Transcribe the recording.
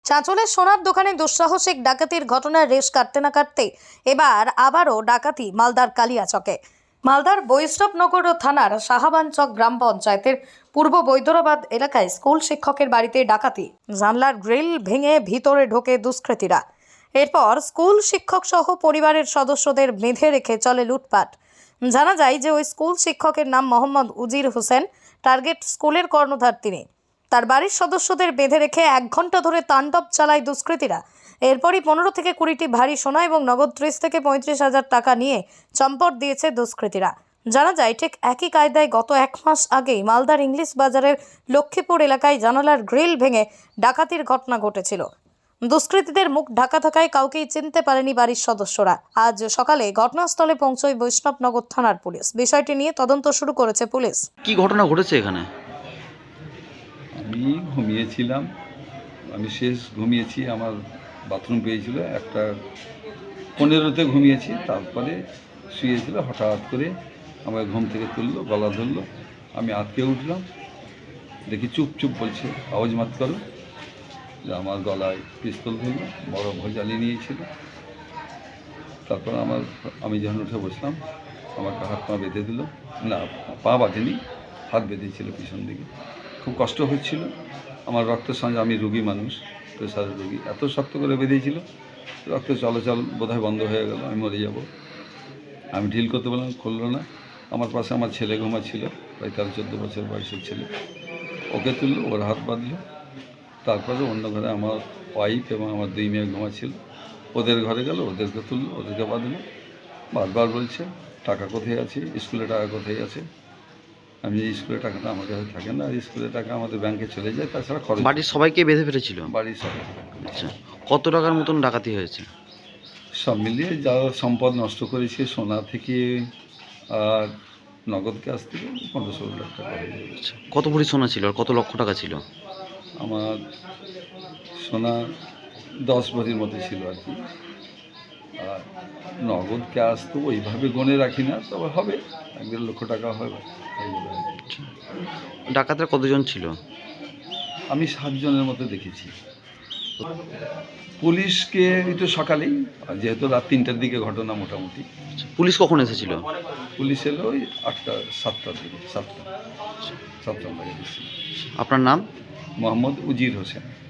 চাঁচলের সোনার দোকানে দুঃসাহসিক ডাকাতির ঘটনার রেশ কাটতে না কাটতে এবার আবারও ডাকাতি মালদার কালিয়াচকে। মালদার বৈষ্ণবনগর থানার সাহাবানচক গ্রাম পঞ্চায়েতের পূর্ব বৈদ্যরাবাদ এলাকায় স্কুল শিক্ষকের বাড়িতে ডাকাতি। জানলার গ্রিল ভেঙে ভিতরে ঢোকে দুষ্কৃতীরা। এরপর স্কুল শিক্ষক সহ পরিবারের সদস্যদের বেঁধে রেখে চলে লুটপাট। জানা যায় যে ওই স্কুল শিক্ষকের নাম মোহাম্মদ উজির হোসেন। টার্গেট স্কুলের কর্ণধার তিনি। তার বাড়ির সদস্যদের বেঁধে রেখে 1 ঘন্টা ধরে তাণ্ডব চালায় দুষ্কৃতীরা। এরপরই 15 থেকে 20টি ভারী সোনা এবং নগদ 30 থেকে 35,000 টাকা নিয়ে চম্পট দিয়েছে দুষ্কৃতীরা। জানা যায় ঠিক একই কায়দায় গত 1 মাস আগেই মালদার ইংলিশ বাজারের লক্ষ্মীপুর এলাকায় জানালার গ্রিল ভেঙে ডাকাতির ঘটনা ঘটেছিল। দুষ্কৃতীদের মুখ ঢাকা থাকায় কাউকেই চিনতে পারেনি বাড়ির সদস্যরা। আজ সকালে ঘটনাস্থলে পৌঁছয় বৈষ্ণবনগর থানার পুলিশ। বিষয়টি নিয়ে তদন্ত শুরু করেছে পুলিশ। কি ঘটনা ঘটেছে এখানে? আমি ঘুমিয়েছিলাম, আমি শেষ ঘুমিয়েছি, আমার বাথরুম পেয়েছিল 1:15 ঘুমিয়েছি। তারপরে শুয়েছিল, হঠাৎ করে আমার ঘুম থেকে তুললো, গলা ধরলো, আমি আটকে উঠলাম, দেখি চুপ চুপ বলছে, আওয়াজ মাত করো। যে আমার গলায় পিস্তল ধরলো, বড় ভয় জ্বালিয়ে নিয়েছিল। তারপর আমি যখন উঠে বসলাম, আমাকে হাত পা বেঁধে দিল, না পা বাঁধেনি, হাত বেঁধেছিল পিছন দিকে। খুব কষ্ট হচ্ছিল, আমার রক্তের সঙ্গে, আমি রোগী মানুষ, প্রেশারের রোগী, এত শক্ত করে বেঁধেছিল, রক্ত চলাচল বোধহয় বন্ধ হয়ে গেল, আমি মরে যাব। আমি ঢিল করতে বললাম, খুললো না। আমার পাশে আমার ছেলে ঘুমাচ্ছিল, প্রায় 13-14 বছর বয়সের ছেলে, ওকে তুললো, ওর হাত বাঁধলো। তারপরে অন্য ঘরে আমার ওয়াইফ এবং আমার 2 মেয়ে ঘুমাচ্ছিল, ওদের ঘরে গেল, ওদেরকে তুললো, ওদেরকে বাঁধলো। বারবার বলছে, টাকা কোথায় আছে, স্কুলে টাকা কোথায় আছে। আমি স্কুলের টাকাটা আমার কাছে থাকে না, স্কুলের টাকা আমাদের ব্যাংকে চলে যায়, তাছাড়া খরচ। বাড়ির সবাইকে বেঁধে ফেলেছিল? বাড়ির সবাই। আচ্ছা, কত টাকার মতন ডাকাতি হয়েছে? সব মিলিয়ে যা সম্পদ নষ্ট করেছে, সোনা থেকে আর নগদ ক্যাশ থেকে 15-16 লাখ টাকা হয়ে যাবে। আচ্ছা, কত ভরি সোনা ছিল আর কত লক্ষ টাকা ছিল? আমার সোনা 10 ভরির মতো ছিল আর কি। আর নগদ ক্যাশ তো ওইভাবে গনে রাখি না, তবে হবে 1-1.5 লক্ষ টাকা হবে। আচ্ছা, ডাকাতরা কতজন ছিল? আমি 7 জনের মতো দেখেছি। পুলিশকে একটু সকালেই, যেহেতু রাত 3টার দিকে ঘটনা মোটামুটি। আচ্ছা, পুলিশ কখন এসেছিল? পুলিশ এলো ওই 7টার দিকে, 7টা লাগে এসেছিল। আপনার নাম? মোহাম্মদ উজির হোসেন।